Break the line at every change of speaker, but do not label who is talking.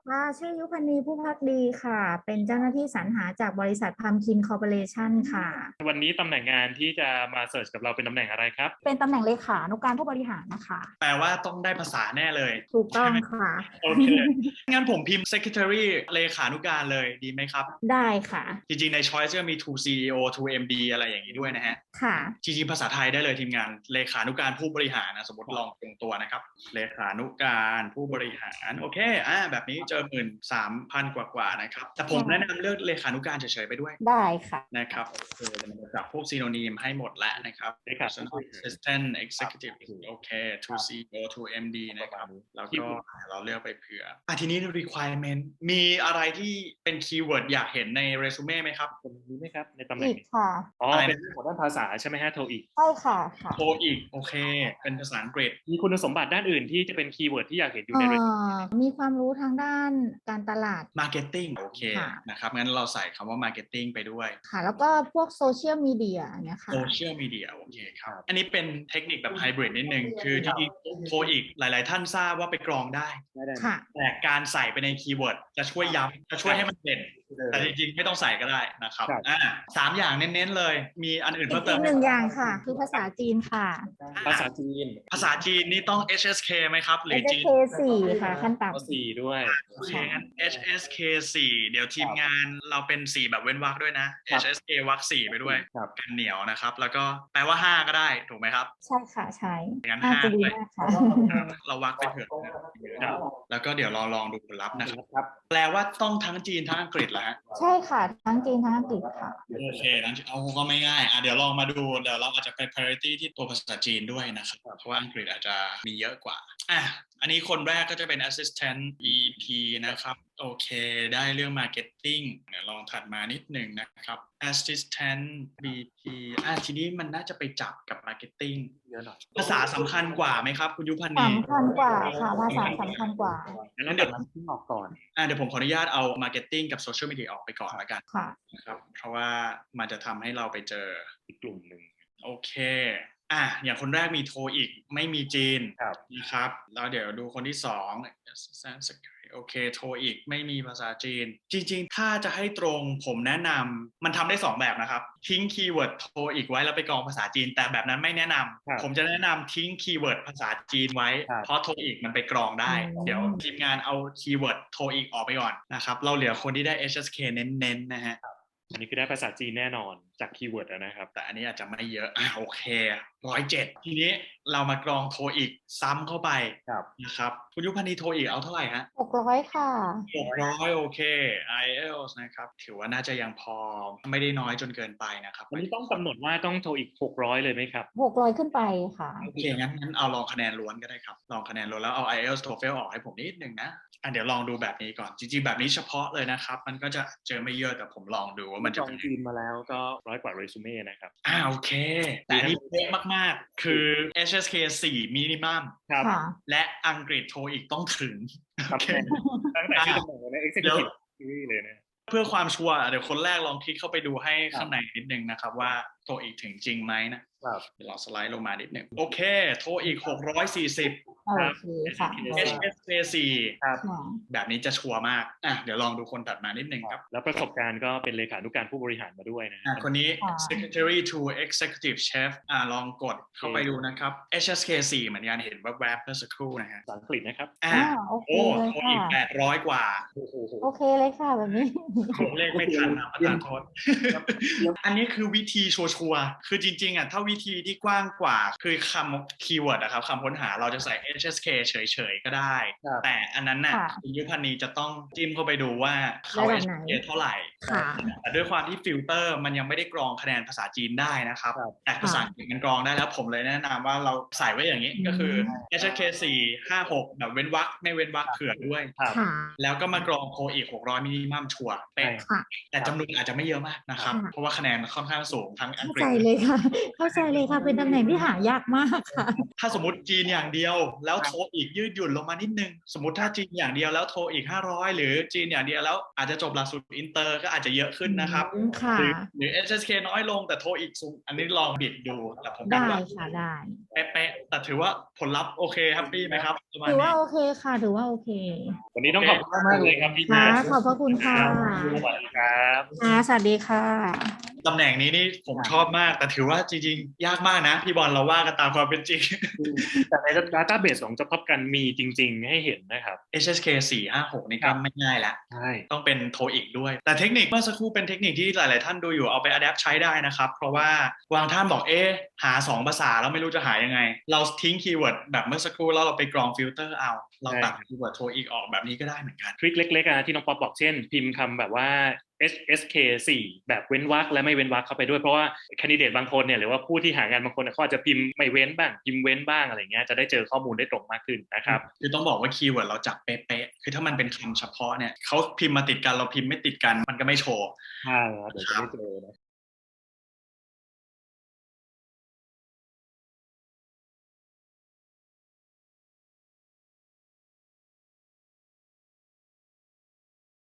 ค่ะชื่อยุพนีผู้พักดีค่ะเป็นเจ้าหน้าที่สรรหาจากบริษัทพัมคินคอร์ปอเรชั่นค่ะ
วันนี้ตำแหน่งงานที่จะมาเสิร์ชกับเราเป็นตำแหน่งอะไรครับ
เป็นตำแหน่งเลขานุการผู้บริหารนะคะ
แปลว่าต้องได้ภาษาแน่เลย
ถูกต้
ใช่ไหม
องค่ะ
โอเคงั้นผมพิมพ์ secretary เลขานุการเลยดีไหมครับ
ได้ค่ะ
จริงๆใน choice ก็มี to CEO to MD อะไรอย่างนี้ด้วยนะฮะ
ค่ะ
จริงๆภาษาไทยได้เลยทีมงานเลขานุการผู้บริหารนะสมมติลองตรงตัวนะครับเลขานุการผู้บริหารโอเคแบบนี้เจอ13,000กว่านะครับแต่ผมแนะนำเลือกเลขานุการเฉยๆไปด้วย
ได้ค่ะ
นะครับโอเคมันจะจับพวกซีโนนีมให้หมดแล้วนะครับ Personal Assistant Executive โอเค to CEO to MD นะครับแล้วก็เราเลือกไปเผื่อทีนี้ requirement มีอะไรที่เป็นคีย์เวิร์ดอยากเห็นในเรซูเม่ไหมครับ
มีไหมครับในตำแหน่
อี
ง
กค่ะ
เป็นเรื่องของด้านภาษาใช่ไหมฮะโทอีก
ใช่ค่ะ
โทอีกโอเคเป็นภาษาอังกฤษ
มีคุณสมบัติด้านอื่นที่จะเป็นคีย์เวิร์ดที่อยากเห็นอยู่ในเรซูเม่
มีความรู้ทางด้านการตลาด
marketing โอเคนะครับงั้นเราใส่คำว่า marketing ไปด้วย
ค่ะแล้วก็พวกโซเชียลมีเดียเนี่ยค่ะ
โซเชียลมีเดียโอเคครับอันนี้เป็นเทคนิคแบบไฮบริดนิดนึงคือจริงๆโทอีกหลายๆท่านทราบว่าไปกรองได้
ค่ะ
แต่การใส่ไปในคีย์เวิร์ดจะช่วยย้ำจะช่วยให้มันเด่นแต่จริงๆไม่ต้องใส่ก็ได้นะครับ3อย่างเน้นๆเลยมีอันอื่นเพิ่มเติม
อีกหนึ่งอย่างค่ะคือภาษาจีนค่ะ
ภาษาจีน
นี่ต้อง HSK ไหมครับหรือจีน
HSK 4ค่ะขั้นต่ำ
4ด้วย
โอเคงั้น HSK 4เดี๋ยวทีมงานเราเป็น4แบบเว้นวรรคด้วยนะ HSK วรรค4ไปด้วยกันเหนียวนะครับแล้วก็แปลว่า5ก็ได้ถูกไหมครับ
ใช่ค่ะใช่
งั้น
จะ
5
ดี
เลย
มากค่ะ
เราวรรคไปเผื่อแล้วก็เดี๋ยวลองดูผลลัพธ์นะครับแปลว่าต้องทั้งจีนทั้งอังกฤษเหรอฮะ
ใช่ค่ะทั้งจีนทั้งอังกฤษค่ะ
โอเคนั้นเอาก็ไม่ง่ายเดี๋ยวลองมาดูเดี๋ยวเราอาจจะไป priority ที่ตัวภาษาจีนด้วยนะครับเพราะว่าอังกฤษอาจจะมีเยอะกว่าอันนี้คนแรกก็จะเป็น assistant EP นะครับโอเคได้เรื่อง marketing เดี๋ยวลองถัดมานิดหนึ่งนะครับ assistant BP ทีนี้มันน่าจะไปจับกับ marketing เยอะหน่อยภาษาสำคัญกว่าไหมครับคุณยุพันธ์
สำคัญกว่าค่ะภาษาสำคัญกว่า
งั้นเดี๋ยวmarketingออกก่อนเดี๋ยวผมขออนุญาตเอา marketing กับ social media ออกไปก่อนแล้วกันนะครับเพราะว่ามันจะทำให้เราไปเจออีกกลุ่มหนึ่งโอเคอย่างคนแรกมีโทอีกไม่มีจีนนะครับแล้วเดี๋ยวดูคนที่2โอเคโทอีกไม่มีภาษาจีนจริงๆถ้าจะให้ตรงผมแนะนำมันทำได้2แบบนะครับทิ้งคีย์เวิร์ดโทอีกไว้แล้วไปกรองภาษาจีนแต่แบบนั้นไม่แนะนำผมจะแนะนำทิ้งคีย์เวิร์ดภาษาจีนไว้เพราะโทอีกมันไปกรองได้เดี๋ยวทีมงานเอาคีย์เวิร์ดโทอีกออกไปก่อนนะครับเราเหลือคนที่ได้ HSK เน้นๆนะฮะ
อันนี้คือได้ภาษาจีนแน่นอนจากคีย์เวิร์ดนะครับ
แต่อันนี้อาจจะไม่เยอะโอเค107ทีนี้เรามากรองโทอีกซ้ำเข้าไปนะครับคุณยุพันธ์โทอีกเอาเท่าไหร่ฮะ
600ค่ะ
600โอเค IELTS นะครับถือว่าน่าจะยังพอไม่ได้น้อยจนเกินไปนะครับ
อันนี้ต้องกำหนดว่าต้องโทอีก600เลยไหมครับ
600ขึ้นไปค่ะ
โอเคงั้นเอาลองคะแนนล้วนก็ได้ครับลองคะแนนล้วนแล้วเอา IELTS TOEFL ออกให้ผมนิดนึงนะเดี๋ยวลองดูแบบนี้ก่อนจริงๆแบบนี้เฉพาะเลยนะครับมันก็จะเจอไม่เยอะแต่ผมลองดูว่ามันจะ
เป็นจีนมาแล้วก็100 กว่าเรซูเม่นะครับ
โอเคแต่นี่เป๊ะมากๆคือ HSK 4 minimum และอังกฤษโทอีกต้องถึง
ตั้งแต่ที่ตำแหน่งใน Executive เลยนะ
เพื่อความชัวร์เดี๋ยวคนแรกลองคลิกเข้าไปดูให้ข้างในนิดนึงนะครับว่าโทอีกถึงจริงไหมนะเดี๋ยวเราสไลด์ลงมานิดนึงโอเคโทอีก640
ครับ
HSK 4แบบนี้จะชัวร์มากเดี๋ยวลองดูคนถัดมานิดนึงครับ
แล้วประสบการณ์ก็เป็นเลขานุการผู้บริหารมาด้วยนะ
คนนี้ Secretary to Executive Chef ลองกดเข้าไปดูนะครับ HSK 4เหมือนกันเห็นแวบๆเมื่อสักครู่นะฮะ
ภาษาอังกฤษนะครับ
โอเค
โทอีก800 กว่า
โอเคเลยค่ะแบบนี้
ผมเลขไม่ทันนะประธานโทษอันนี้คือวิธีชัวร์คือจริงๆถ้าวิธีที่กว้างกว่าคือคำคีย์เวิร์ดนะครับคำค้นหาเราจะใส่ HSK เฉยๆก็ได้แต่อันนั้นน่ะคุณยุพันธ์จะต้องจิ้มเข้าไปดูว่าเขา HSK เท่าไหร่แต่ด้วยความที่ฟิลเตอร์มันยังไม่ได้กรองคะแนนภาษาจีนได้นะครับแต่ภาษาอังกฤษมันกรองได้แล้วผมเลยแนะนำว่าเราใส่ไว้อย่างนี้ก็คือ HSK 4 5 6แบบเว้นวรรคไม่เว้นวรรคเผื่อด้วยแล้วก็มากรองโทอีก600มินิมัมชัวร์เป๊ะแต่จำนวนอาจจะไม่เยอะมากนะครับเพราะว่าคะแนนค่อนข้างสูงทั้งอังกฤษ
เข้าใจเลยค่ะเข้าใจเลยค่ะเป็นตำแหน่งที่หายากมากค่ะ
ถ้าสมมติจีนอย่างเดียวแล้วโทอีกยืดหยุ่นลงมานิดนึงสมมติถ้าจีนอย่างเดียวแล้วโทอีก500หรือจีนอย่างเดียวแล้วอาจจะจบหลักสูตรอินเตอร์ก็อาจจะเยอะขึ้นนะครับ
ค่ะ
หรือ HSK น้อยลงแต่โทอีกสูงอันนี้ลองบิดดูแต่ผมคิด
ได้
ว่า
ค่ะได้
เป๊ะๆแต่ถือว่าผลลัพธ์โอเคแฮปปี้ไหมครับประมาณ
ถือว่า
นี้
โอเคค่ะถือว่าโอเค
วันนี้ต้องขอบคุณมากเลยครับพี่
ค่ะ
แม่
ขอบพระคุณค่ะ
สวัสดีครับ
ค่ะสวัสดีค่ะ
ตำแหน่งนี้นี่ผมชอบมากแต่ถือว่าจริงๆยากมากนะพี่บอลเราว่ากันตามความเป็นจริง
แต่ใน database ของ Job Top กันมีจริงๆให้เห็นนะครับ
HSK 456นี่ก็ไม่ง่ายแล้ว
ใช่
ต้องเป็นโทอีกด้วย แต่เทคนิคเมื่อสักครู่เป็นเทคนิคที่หลายๆท่านดูอยู่เอาไปอัดแอปใช้ได้นะครับ เพราะว่าบางท่านบอกหา2ภาษาแล้วไม่รู้จะหายังไง เราทิ้งคีย์เวิร์ดแบบเมื่อสักครู่แล้วเราไปกรองฟิลเตอร์เอาเราตัดคีย์เวิร์ดโทอีกออกแบบนี้ก็ได้เหมือนกัน
ทริคเล็กๆที่น้องป๊อปบอกเช่นพิมพ์คำแบบว่า HSK 4แบบเว้นวรรคและไม่เว้นวรรคเข้าไปด้วยเพราะว่าแคนดิเดตบางคนเนี่ยหรือว่าผู้ที่หางานบางคนเขาอาจจะพิมพ์ไม่เว้นบ้างพิมพ์เว้นบ้างอะไรเงี้ยจะได้เจอข้อมูลได้ตรงมากขึ้นนะครับ
คือต้องบอกว่าคีย์เวิร์ดเราจับเป๊ะๆคือถ้ามันเป็นคำเฉพาะเนี่ยเขาพิมพ์มาติดกันเราพิมพ์ไม่ติดกันมันก็ไม่โชว์
ใช่ครับเดี๋ยวจะไม่เจอนะ